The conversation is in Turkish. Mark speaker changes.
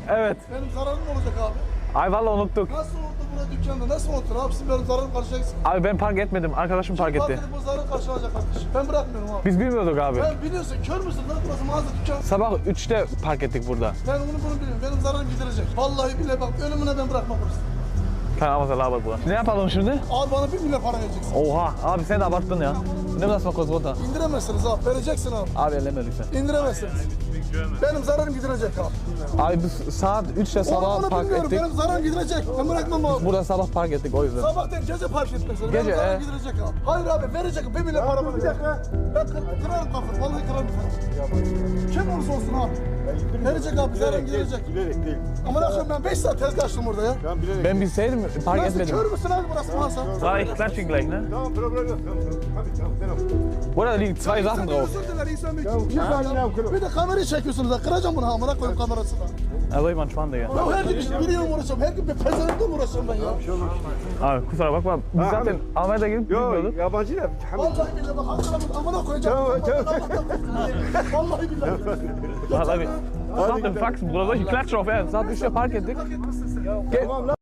Speaker 1: Evet.
Speaker 2: Benim zararım olacak abi.
Speaker 1: Ay vallahi unuttuk.
Speaker 2: Nasıl oldu burada dükkanda? Nasıl unuttun abi? Siz benim zararımı karşılayacaksın.
Speaker 1: Abi ben park etmedim. Arkadaşım park etti.
Speaker 2: Fark edip o zararı karşılayacak kardeşim. Ben bırakmıyorum abi.
Speaker 1: Biz bilmiyorduk abi.
Speaker 2: Ben biliyorsun kör müsün lan burası mağaza dükkan.
Speaker 1: Sabah 3'te park ettik burada.
Speaker 2: Ben bunu biliyorum. Benim zararım giderecek. Vallahi bile bak ölümüne ben bırakmam burası.
Speaker 1: Tamam mesela abi bu. Ne yapalım şimdi?
Speaker 2: Abi bana 1 milyon para vereceksin.
Speaker 1: Oha abi sen de abarttın ya. Ne nasıl kozgota?
Speaker 2: İndiremezsiniz abi. Vereceksin abi.
Speaker 1: Abi elleme lütfen.
Speaker 2: İndiremezsiniz. Benim zararım giderecek abi.
Speaker 1: Abi biz saat 3'te sabah
Speaker 2: Onu
Speaker 1: park
Speaker 2: bilmiyorum.
Speaker 1: ettik.
Speaker 2: Benim zararım giderecek. Ben bırakmam abi.
Speaker 1: Burada sabah park ettik o yüzden.
Speaker 2: Sabah değil gece park etmezsin.
Speaker 1: Gece,
Speaker 2: Benim zararım giderecek abi. Hayır abi verecek. 1 milyon para verecek. Ben kırarım kafamı. Vallahi kırarım kafamı. Kim olursa olsun abi. Verecek abi. Zararım giderecek.
Speaker 3: Bilerek değil.
Speaker 2: Ama akşam ben 5 saat tezgah açtım burada ya.
Speaker 3: Ben bilerek.
Speaker 1: Ben bilseydim park
Speaker 2: Nasıl
Speaker 1: etmedim.
Speaker 2: kör müsün abi burası mağaza?
Speaker 1: War ich klatsch ihn gleich, ne?
Speaker 3: Tamam problem yok. Tamam.
Speaker 1: Burada da liegen zwei Sachen drauf.
Speaker 2: Özür diler insan bir
Speaker 3: saniye abi.
Speaker 2: Bir de kamerayı çekiyorsunuz ha. Kıracağım bunu amına koyayım kamerasını.
Speaker 1: Also ich mal Digga.
Speaker 2: Ya her gün biriyle uğraşıyorum. Her gün bir pezevenkle mi uğraşıyorum ben ya?
Speaker 1: Abi kusura bakma. Biz
Speaker 3: Ha,
Speaker 1: zaten Almanya'da gidip
Speaker 3: Yok
Speaker 1: bilmiyorduk.
Speaker 3: yabancı da.
Speaker 2: Vallahi billahi bak hakikaten amına koyacağım. Vallahi billahi.
Speaker 1: Vallahi bir. Saat im Faxen, Bruder. Solche Klatsche auf Ernst. Saat 3'te park ettik.
Speaker 3: Tamam lan.